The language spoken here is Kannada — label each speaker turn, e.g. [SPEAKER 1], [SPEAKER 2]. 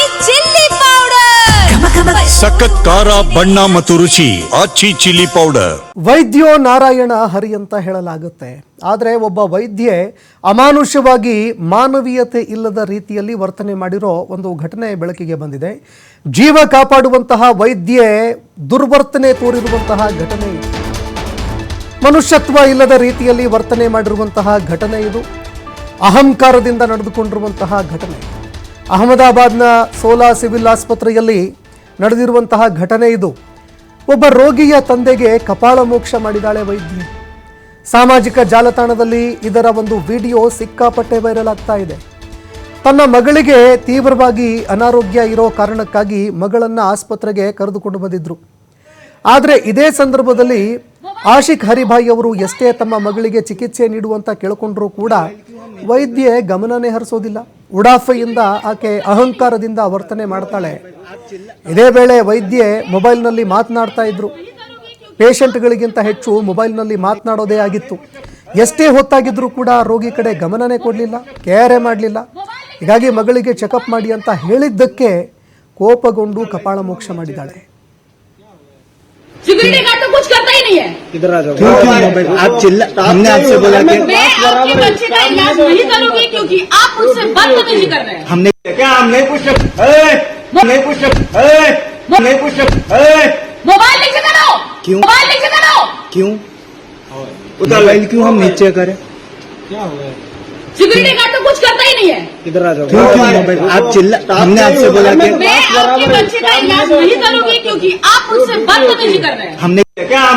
[SPEAKER 1] ಚಿಲ್ಲಿ ಪೌಡರ್
[SPEAKER 2] ಸಖತ್ ಖಾರ ಬಣ್ಣ ಮತ್ತು ರುಚಿ ಆಚಿ ಚಿಲ್ಲಿ ಪೌಡರ್.
[SPEAKER 3] ವೈದ್ಯೋ ನಾರಾಯಣ ಹರಿ ಅಂತ ಹೇಳಲಾಗುತ್ತೆ. ಆದರೆ ಒಬ್ಬ ವೈದ್ಯೆ ಅಮಾನುಷವಾಗಿ ಮಾನವೀಯತೆ ಇಲ್ಲದ ರೀತಿಯಲ್ಲಿ ವರ್ತನೆ ಮಾಡಿರೋ ಒಂದು ಘಟನೆ ಬೆಳಕಿಗೆ ಬಂದಿದೆ. ಜೀವ ಕಾಪಾಡುವಂತಹ ವೈದ್ಯೆ ದುರ್ವರ್ತನೆ ತೋರಿರುವಂತಹ ಘಟನೆ ಇದು. ಮನುಷ್ಯತ್ವ ಇಲ್ಲದ ರೀತಿಯಲ್ಲಿ ವರ್ತನೆ ಮಾಡಿರುವಂತಹ ಘಟನೆ ಇದು. ಅಹಂಕಾರದಿಂದ ನಡೆದುಕೊಂಡಿರುವಂತಹ ಘಟನೆ. ಅಹಮದಾಬಾದ್ನ ಸೋಲಾ ಸಿವಿಲ್ ಆಸ್ಪತ್ರೆಯಲ್ಲಿ ನಡೆದಿರುವಂತಹ ಘಟನೆ ಇದು. ಒಬ್ಬ ರೋಗಿಯ ತಂದೆಗೆ ಕಪಾಳ ಮೋಕ್ಷ ಮಾಡಿದಾಳೆ ವೈದ್ಯೆ. ಸಾಮಾಜಿಕ ಜಾಲತಾಣದಲ್ಲಿ ಇದರ ಒಂದು ವಿಡಿಯೋ ಸಿಕ್ಕಾಪಟ್ಟೆ ವೈರಲ್ ಆಗ್ತಾ ಇದೆ. ತನ್ನ ಮಗಳಿಗೆ ತೀವ್ರವಾಗಿ ಅನಾರೋಗ್ಯ ಇರೋ ಕಾರಣಕ್ಕಾಗಿ ಮಗಳನ್ನು ಆಸ್ಪತ್ರೆಗೆ ಕರೆದುಕೊಂಡು ಬಂದಿದ್ರು. ಆದರೆ ಇದೇ ಸಂದರ್ಭದಲ್ಲಿ ಆಶಿಕ್ ಹರಿಭಾಯಿ ಅವರು ಎಷ್ಟೇ ತಮ್ಮ ಮಗಳಿಗೆ ಚಿಕಿತ್ಸೆ ನೀಡುವಂತ ಕೇಳಿಕೊಂಡ್ರೂ ಕೂಡ ವೈದ್ಯೆ ಗಮನನೇ ಹರಿಸೋದಿಲ್ಲ. ಉಡಾಫೆಯಿಂದ ಆಕೆ ಅಹಂಕಾರದಿಂದ ವರ್ತನೆ ಮಾಡ್ತಾಳೆ. ಇದೇ ವೇಳೆ ವೈದ್ಯೆ ಮೊಬೈಲ್ನಲ್ಲಿ ಮಾತನಾಡ್ತಾ ಇದ್ರು. ಪೇಷಂಟ್ಗಳಿಗಿಂತ ಹೆಚ್ಚು ಮೊಬೈಲ್ನಲ್ಲಿ ಮಾತನಾಡೋದೇ ಆಗಿತ್ತು. ಎಷ್ಟೇ ಹೊತ್ತಾಗಿದ್ರೂ ಕೂಡ ರೋಗಿ ಕಡೆ ಗಮನನೇ ಕೊಡಲಿಲ್ಲ, ಕೇರೆ ಮಾಡಲಿಲ್ಲ. ಹೀಗಾಗಿ ಮಗಳಿಗೆ ಚೆಕಪ್ ಮಾಡಿ ಅಂತ ಹೇಳಿದ್ದಕ್ಕೆ ಕೋಪಗೊಂಡು ಕಪಾಳ ಮೋಕ್ಷ ಮಾಡಿದ್ದಾಳೆ.
[SPEAKER 4] सिक्योरिटी गार्ड तो कुछ करता ही नहीं है.
[SPEAKER 5] इधर आ जाओ. आप चिल्ला, हमने आपसे बोला कि
[SPEAKER 4] मैं आपके बच्चे का इलाज नहीं करूंगी क्योंकि आप मुझसे बदतमीजी कर रहे हैं.
[SPEAKER 5] हमने क्या हमने कुछ नहीं कुछ नहीं कुछ
[SPEAKER 4] मोबाइल नीचे करो.
[SPEAKER 5] क्यों?
[SPEAKER 4] मोबाइल नीचे करो.
[SPEAKER 5] क्यों मोबाइल क्यों हम नीचे करें?
[SPEAKER 4] सिक्योरिटी गार्ड तो कुछ करता ही नहीं है.
[SPEAKER 5] इधर आ जाओ. आप चिल्ला, हमने आपसे बोला कि
[SPEAKER 4] मैं आपके बच्चे का इलाज नहीं करूंगी क्योंकि आप मुझसे बदतमीजी कर रहे हैं.
[SPEAKER 5] हमने क्या